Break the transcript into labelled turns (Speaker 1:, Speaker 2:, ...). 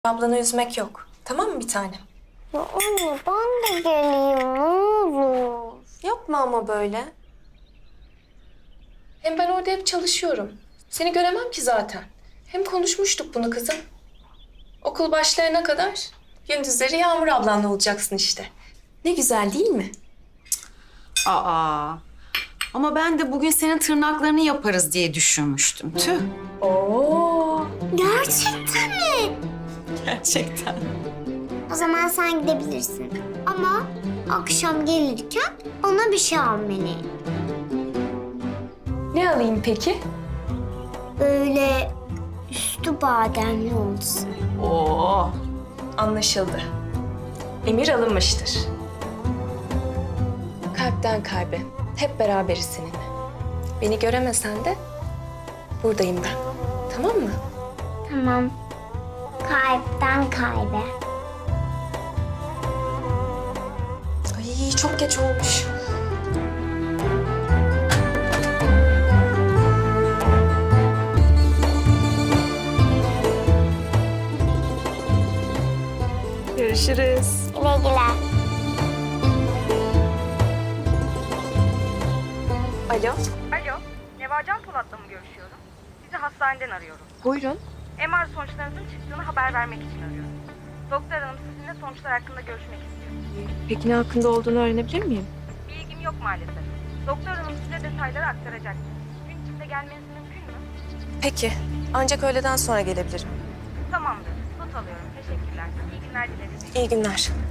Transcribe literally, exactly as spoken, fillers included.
Speaker 1: Ablanı üzmek yok. Tamam mı bir tanem?
Speaker 2: Ya anne ben de geleyim ne olur.
Speaker 1: Yapma ama böyle. Hem ben orada hep çalışıyorum. Seni göremem ki zaten. Hem konuşmuştuk bunu kızım. Okul başlayana kadar gündüzleri Yağmur ablanla olacaksın işte. Ne güzel değil mi?
Speaker 3: Aa. Ama ben de bugün senin tırnaklarını yaparız diye düşünmüştüm. Tüh.
Speaker 1: Oo.
Speaker 2: Gerçekten mi?
Speaker 3: Gerçekten.
Speaker 2: O zaman sen gidebilirsin. Ama akşam gelirken ona bir şey almalı.
Speaker 1: Ne alayım peki?
Speaker 2: Böyle üstü bademli olsun.
Speaker 3: Oo.
Speaker 1: Anlaşıldı. Emir alınmıştır. Kalpten kalbe. Hep beraberiz seninle. Beni göremesen de buradayım ben. Tamam mı?
Speaker 2: Tamam. Kalpten kalbe.
Speaker 1: Ay çok geç olmuş. Görüşürüz.
Speaker 2: Güle güle.
Speaker 1: Alo.
Speaker 4: Alo, Nevacan Polat'la mı görüşüyorum? Sizi hastaneden arıyorum.
Speaker 1: Buyurun.
Speaker 4: M R sonuçlarınızın çıktığını haber vermek için arıyorum. Doktor hanım sizinle sonuçlar hakkında görüşmek istiyor.
Speaker 1: Peki ne hakkında olduğunu öğrenebilir miyim?
Speaker 4: Bilgim yok maalesef. Doktor hanım size detayları aktaracak. Gün içinde gelmeniz mümkün mü?
Speaker 1: Peki. Ancak öğleden sonra gelebilirim.
Speaker 4: Tamamdır, not alıyorum. Teşekkürler. İyi günler dileriz.
Speaker 1: İyi günler.